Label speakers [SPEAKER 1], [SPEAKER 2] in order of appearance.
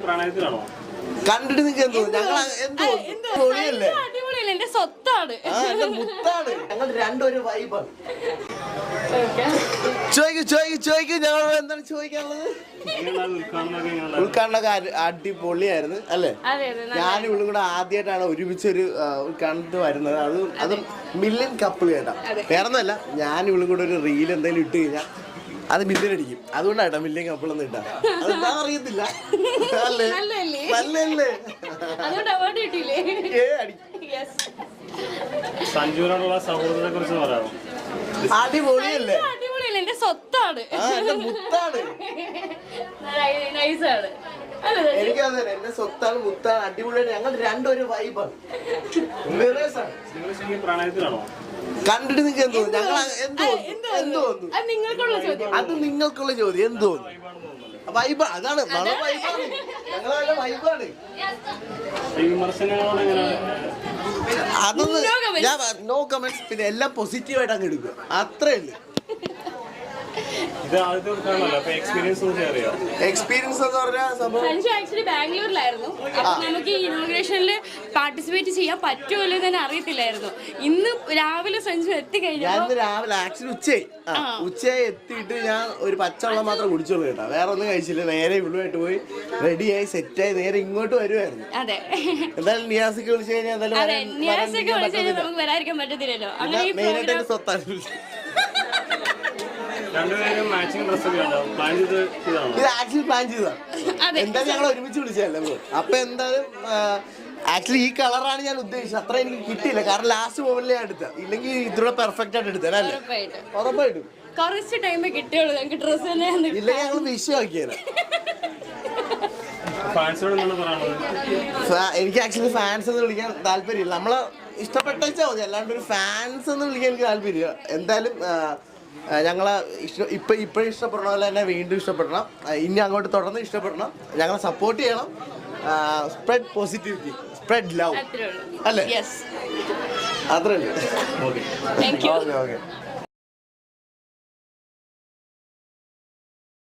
[SPEAKER 1] പ്രണയത്തിലാണോ?
[SPEAKER 2] കണ്ടിട്ട് നിങ്ങൾക്ക് എന്തോ പൊളിയല്ലേ?
[SPEAKER 3] അടിപൊളിയല്ലേ, എന്റെ സ്വത്താണ്,
[SPEAKER 2] മുത്താണ്. ഞങ്ങൾ രണ്ടൊരു വൈബാണ്. ചോദിക്കും ഞങ്ങൾ എന്താണ് ചോദിക്കാനുള്ളത്? ഉദ്ഘാടനമൊക്കെ അടിപൊളിയായിരുന്നു അല്ലേ? ഞാനും ഇവളും കൂടെ ആദ്യമായിട്ടാണ് ഒരുമിച്ചൊരു ഉദ്ഘാടനത്തിൽ വരുന്നത്. അത് മില്യൺ കപ്പിൾ കേട്ടാ. വേറൊന്നുമല്ല, ഞാനും ഇവളും കൂടെ ഒരു റീൽ എന്തെങ്കിലും ഇട്ട് കഴിഞ്ഞാൽ അത് മില്യൺ അടിക്കും. അതുകൊണ്ടാട്ടോ മില്യൺ കപ്പിൾ ഒന്നും ഇട്ടാ. അതെന്താ അറിയത്തില്ല.
[SPEAKER 1] സഞ്ജുവിനോടുള്ള സൗഹൃദത്തെ കുറിച്ച് പറയാമോ?
[SPEAKER 2] അടിപൊളിയല്ലേ?
[SPEAKER 3] എന്റെ സ്വത്താണ്,
[SPEAKER 2] മുത്താണ്. എനിക്കതെ എന്റെ സ്വത്താണ്, മുത്താണ്. അടിപൊളിയാണ്. ഞങ്ങൾ രണ്ടൊരു വൈബാണ്.
[SPEAKER 1] പ്രണയത്തിലാണോ?
[SPEAKER 2] കണ്ടിട്ട് നിങ്ങൾക്ക് എന്തോ ഞങ്ങൾ എന്തോ അത് നിങ്ങൾക്കുള്ള ചോദ്യം. എന്തോ വൈബ്, അതാണ് വൈബാണ്. ഞങ്ങളെ വൈബാണ്. അതൊന്ന് ഞാൻ നോ കമന്റ്സ്. പിന്നെ എല്ലാം പോസിറ്റീവായിട്ട് അങ്ങ് എടുക്കുക, അത്രേ ഉള്ളൂ. എക്സ്പീരിയൻസ് എന്ന് പറഞ്ഞാൽ
[SPEAKER 3] സഞ്ജു ആക്ച്വലി ബാംഗ്ലൂരിലായിരുന്നു. അപ്പൊ നമുക്ക് ഈ ഇനോഗ്രേഷനിൽ പാർട്ടിസിപ്പേറ്റ് ചെയ്യാൻ പറ്റുമല്ലോ എന്ന് അറിയത്തില്ലായിരുന്നു. ഇന്ന് രാവിലെ സഞ്ജു എത്തിക്കഴിഞ്ഞു.
[SPEAKER 2] രാവിലെ ആക്ച്വലി ഉച്ചയായി എത്തിയിട്ട് ഞാൻ ഒരു പച്ചവെള്ളം മാത്രം കുടിച്ചോളൂ കേട്ടോ. വേറെ ഒന്നും കഴിച്ചില്ല. നേരെ ഇവിടുമായിട്ട് പോയി റെഡിയായി സെറ്റായി നേരെ ഇങ്ങോട്ട് വരുമായിരുന്നു.
[SPEAKER 3] അതെ,
[SPEAKER 2] എന്തായാലും നിയാസിക്ക് വിളിച്ചു കഴിഞ്ഞാൽ
[SPEAKER 3] നമുക്ക് വരാതിരിക്കാൻ പറ്റത്തില്ലല്ലോ.
[SPEAKER 2] മെയിനായിട്ട് എന്റെ സ്വത്താണ്. ഇത് ആക്ച്വലി പ്ലാൻ ചെയ്തതാണ്. എന്തായാലും ഞങ്ങൾ ഒരുമിച്ച് വിളിച്ചതല്ലേ. അപ്പൊ എന്തായാലും ആക്ച്വലി ഈ കളറാണ് ഞാൻ ഉദ്ദേശിച്ചത്. അത്ര എനിക്ക് കിട്ടിയില്ല, കാരണം ലാസ്റ്റ് മൊമെന്റിൽ ഞാൻ എടുത്ത. ഇല്ലെങ്കിൽ ഇതിലൂടെ പെർഫെക്റ്റ് ആയിട്ട് എടുത്തല്ലേ? ഉറപ്പായിട്ടും
[SPEAKER 3] കുറച്ച് ടൈമേ കിട്ടിയുള്ളൂ ഞങ്ങൾക്ക് ഡ്രസ് തന്നെ.
[SPEAKER 2] ഇല്ലെങ്കിൽ ഞങ്ങൾ വിഷയമാക്കിയത്. എനിക്ക് ആക്ച്വലി ഫാൻസ് എന്ന് വിളിക്കാൻ താല്പര്യമില്ല. നമ്മളെ ഇഷ്ടപ്പെട്ടെച്ചാൽ മതി, അല്ലാണ്ട് ഒരു ഫാൻസ് എന്ന് വിളിക്കാൻ എനിക്ക് താല്പര്യമില്ല. എന്തായാലും ഞങ്ങളെ ഇപ്പോഴും ഇഷ്ടപ്പെടണം, പോലെ തന്നെ വീണ്ടും ഇഷ്ടപ്പെടണം. ഇനി അങ്ങോട്ട് തുടർന്ന് ഇഷ്ടപ്പെടണം. ഞങ്ങളെ സപ്പോർട്ട് ചെയ്യണം. സ്പ്രെഡ് പോസിറ്റിവിറ്റി, സ്പ്രെഡ് ലവ് അല്ലേ? അത്രേ ഉള്ളൂ.
[SPEAKER 3] Thank you.
[SPEAKER 2] ഓക്കെ.